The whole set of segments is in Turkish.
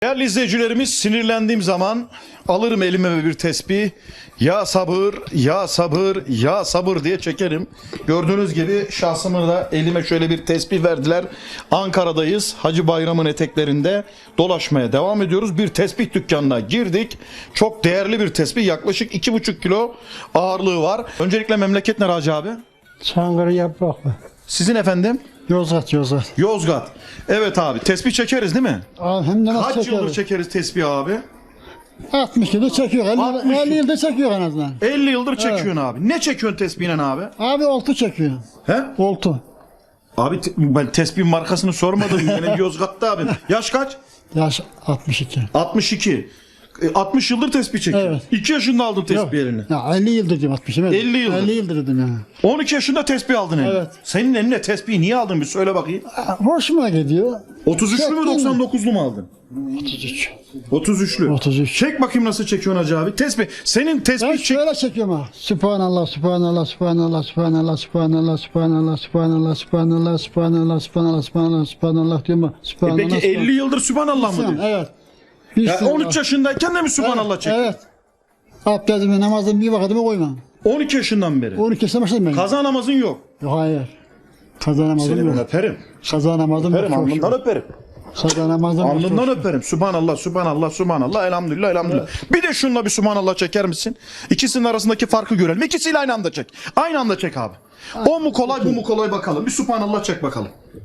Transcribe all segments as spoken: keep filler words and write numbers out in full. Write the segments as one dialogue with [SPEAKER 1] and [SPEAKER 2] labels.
[SPEAKER 1] Değerli izleyicilerimiz, sinirlendiğim zaman alırım elime bir tesbih. Ya sabır, ya sabır, ya sabır diye çekerim. Gördüğünüz gibi şahsımı da elime şöyle bir tesbih verdiler. Ankara'dayız. Hacı Bayram'ın eteklerinde dolaşmaya devam ediyoruz. Bir tesbih dükkanına girdik. Çok değerli bir tesbih. Yaklaşık iki buçuk kilo ağırlığı var. Öncelikle memleket nere Hacı abi?
[SPEAKER 2] Çankırı Yapraklı.
[SPEAKER 1] Sizin efendim?
[SPEAKER 2] Yozgat, Yozgat.
[SPEAKER 1] Yozgat. Evet abi, tesbih çekeriz değil mi?
[SPEAKER 2] Abi hem de nasıl
[SPEAKER 1] Kaç
[SPEAKER 2] çekiyor?
[SPEAKER 1] yıldır çekeriz tesbih abi?
[SPEAKER 2] altmış yıldır çekiyor.
[SPEAKER 1] altmış
[SPEAKER 2] elli,
[SPEAKER 1] yıl.
[SPEAKER 2] elli yılda çekiyor en azından.
[SPEAKER 1] elli yıldır çekiyorsun abi. Ne çekiyorsun tesbihle abi?
[SPEAKER 2] Abi oltu çekiyor.
[SPEAKER 1] He?
[SPEAKER 2] Oltu.
[SPEAKER 1] Abi te- ben tesbih markasını sormadım. Yine Yozgat'ta abi. Yaş kaç?
[SPEAKER 2] Yaş altmış iki.
[SPEAKER 1] altmış iki. E, altmış yıldır tesbih çekiyorsun.
[SPEAKER 2] Evet.
[SPEAKER 1] iki yaşında aldın tesbih
[SPEAKER 2] Yok.
[SPEAKER 1] eline.
[SPEAKER 2] Ya elli yıldır diyorum altmış. Evet.
[SPEAKER 1] elli yıldır.
[SPEAKER 2] elli yıldır dedim yani.
[SPEAKER 1] on iki yaşında tesbih aldın eline.
[SPEAKER 2] Evet.
[SPEAKER 1] Senin eline tesbihi niye aldın bir söyle bakayım.
[SPEAKER 2] Ha, hoşuma gidiyor.
[SPEAKER 1] otuz üçlü mü
[SPEAKER 2] Çektim.
[SPEAKER 1] doksan dokuzlu mu aldın?
[SPEAKER 2] otuz üç.
[SPEAKER 1] otuz üçlü.
[SPEAKER 2] otuz üç.
[SPEAKER 1] Çek bakayım nasıl çekiyorsun Hacı abi. Tesbih. Senin tesbih
[SPEAKER 2] Ben
[SPEAKER 1] çek.
[SPEAKER 2] şöyle çekiyorum ha. Subhanallah, Subhanallah, Subhanallah, Subhanallah, Subhanallah, Subhanallah, Subhanallah, Subhanallah, Subhanallah, Subhanallah, Subhanallah, Subhanallah diyorum ha.
[SPEAKER 1] E
[SPEAKER 2] Subhanallah.
[SPEAKER 1] peki elli yıldır Sübhanallah mı
[SPEAKER 2] Subhanallah.
[SPEAKER 1] diyorsun?
[SPEAKER 2] Evet. Bir
[SPEAKER 1] Ya
[SPEAKER 2] sene
[SPEAKER 1] on üç
[SPEAKER 2] var.
[SPEAKER 1] yaşındayken de mi Sübhanallah
[SPEAKER 2] Evet,
[SPEAKER 1] çekiyorsun?
[SPEAKER 2] evet. Abdestimi, namazımı bir vakitime koymam.
[SPEAKER 1] on iki yaşından beri.
[SPEAKER 2] on iki yaşında başladım ben.
[SPEAKER 1] Kaza namazın yok.
[SPEAKER 2] Yok, hayır. Kaza namazım
[SPEAKER 1] Seni ben
[SPEAKER 2] yok.
[SPEAKER 1] öperim.
[SPEAKER 2] Kaza namazım yok.
[SPEAKER 1] Öperim,
[SPEAKER 2] çok
[SPEAKER 1] alnından
[SPEAKER 2] şükür.
[SPEAKER 1] öperim.
[SPEAKER 2] Kaza namazım yok. çok
[SPEAKER 1] Alnından
[SPEAKER 2] şükür.
[SPEAKER 1] öperim. Subhanallah, subhanallah, subhanallah, elhamdülillah, elhamdülillah. Bir de şununla bir subhanallah çeker misin? İkisinin arasındaki farkı görelim. İkisiyle aynı anda çek. Aynı anda çek abi. O mu kolay, bu mu kolay bakalım. Bir subhanallah çek bakalım.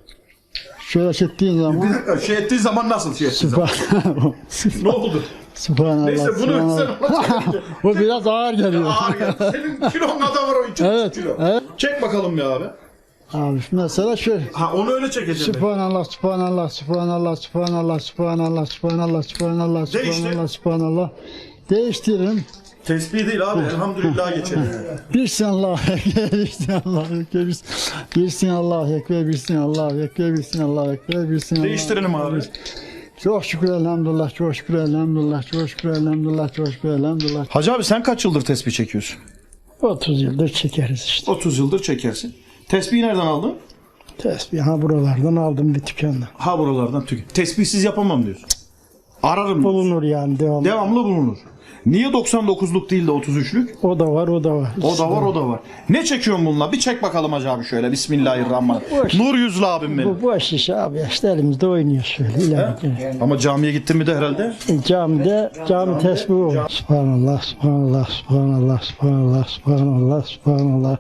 [SPEAKER 2] Şöyle çektiğin zaman.
[SPEAKER 1] Bir dakika, şey ettiğin zaman nasıl şey ettiğin zaman?
[SPEAKER 2] Subhanallah.
[SPEAKER 1] Ne oldu?
[SPEAKER 2] Subhanallah.
[SPEAKER 1] Neyse bunu sen
[SPEAKER 2] Subhanallah.
[SPEAKER 1] ona çekince.
[SPEAKER 2] Bu biraz ağır geliyor.
[SPEAKER 1] Ağır geldi. Senin kilon kadar var o iki
[SPEAKER 2] Evet,
[SPEAKER 1] kilo.
[SPEAKER 2] evet.
[SPEAKER 1] Çek bakalım ya abi.
[SPEAKER 2] Abi mesela şöyle.
[SPEAKER 1] Ha onu öyle çekeceğim. ben.
[SPEAKER 2] Subhanallah, Subhanallah, Subhanallah, Subhanallah, Subhanallah, Subhanallah, Subhanallah,
[SPEAKER 1] Değiştir.
[SPEAKER 2] Subhanallah, Subhanallah. Değiştiririm.
[SPEAKER 1] Tesbih değil abi. Elhamdülillah geçelim.
[SPEAKER 2] Birsin Allahu Ekber, birsin Allahu Ekber, birsin- birsin Allahu Ekber, birsin Allahu Ekber, birsin Allahu Ekber, birsin Allahu
[SPEAKER 1] Değiştirelim abi.
[SPEAKER 2] Çok şükür elhamdülillah, çok şükür elhamdülillah, çok şükür elhamdülillah, çok şükür elhamdülillah.
[SPEAKER 1] Hacı abi sen kaç yıldır tesbih çekiyorsun?
[SPEAKER 2] otuz yıldır çekeriz işte.
[SPEAKER 1] otuz yıldır çekersin. Tesbihi nereden aldın?
[SPEAKER 2] Tesbih ha buralardan aldım bir dükkandan.
[SPEAKER 1] Ha buralardan tük. Tesbihsiz yapamam diyorsun. Ararım. diyorsun.
[SPEAKER 2] Bulunur yani devam.
[SPEAKER 1] Devamlı bulunur. Niye doksan dokuzluk değil de otuz üçlük?
[SPEAKER 2] O da var, o da var.
[SPEAKER 1] O da var, o da var. Ne çekiyorsun bununla? Bir çek bakalım Hacı abi şöyle. Bismillahirrahmanirrahim.
[SPEAKER 2] Boş.
[SPEAKER 1] Nur yüzlü abim benim.
[SPEAKER 2] Bu boş iş abi işte elimizde oynuyor şöyle ileride.
[SPEAKER 1] Ama camiye gittin mi de herhalde?
[SPEAKER 2] Camide cami tesbihi var. Subhanallah, Subhanallah, Subhanallah, Subhanallah, Subhanallah, Subhanallah.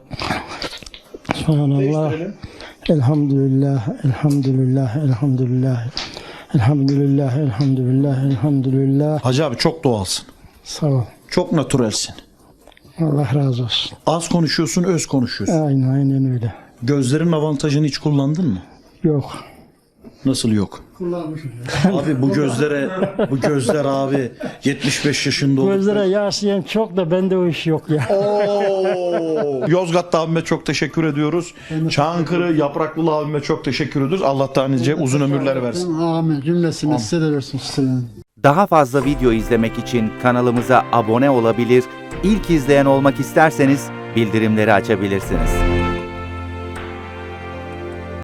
[SPEAKER 2] Subhanallah. Elhamdülillah, elhamdülillah, elhamdülillah. Elhamdülillah, elhamdülillah, elhamdülillah.
[SPEAKER 1] Hacı abi çok doğalsın.
[SPEAKER 2] Sağ ol.
[SPEAKER 1] Çok natürelsin.
[SPEAKER 2] Allah razı olsun.
[SPEAKER 1] Az konuşuyorsun, öz konuşuyorsun.
[SPEAKER 2] Aynen, aynen öyle.
[SPEAKER 1] Gözlerin avantajını hiç kullandın mı?
[SPEAKER 2] Yok.
[SPEAKER 1] Nasıl yok?
[SPEAKER 2] Kullanmışım.
[SPEAKER 1] Abi bu gözlere, bu gözler abi yetmiş beş yaşında oldu.
[SPEAKER 2] Gözlere yaslayan çok da bende o iş yok ya.
[SPEAKER 1] Oo. Yozgat'ta abime çok teşekkür ediyoruz. Çankırı Yapraklılı abime çok teşekkür ediyoruz. Allah da nice uzun ömürler versin.
[SPEAKER 2] Amin. Cümlesine size de versin. Size de.
[SPEAKER 3] Daha fazla video izlemek için kanalımıza abone olabilir, ilk izleyen olmak isterseniz bildirimleri açabilirsiniz.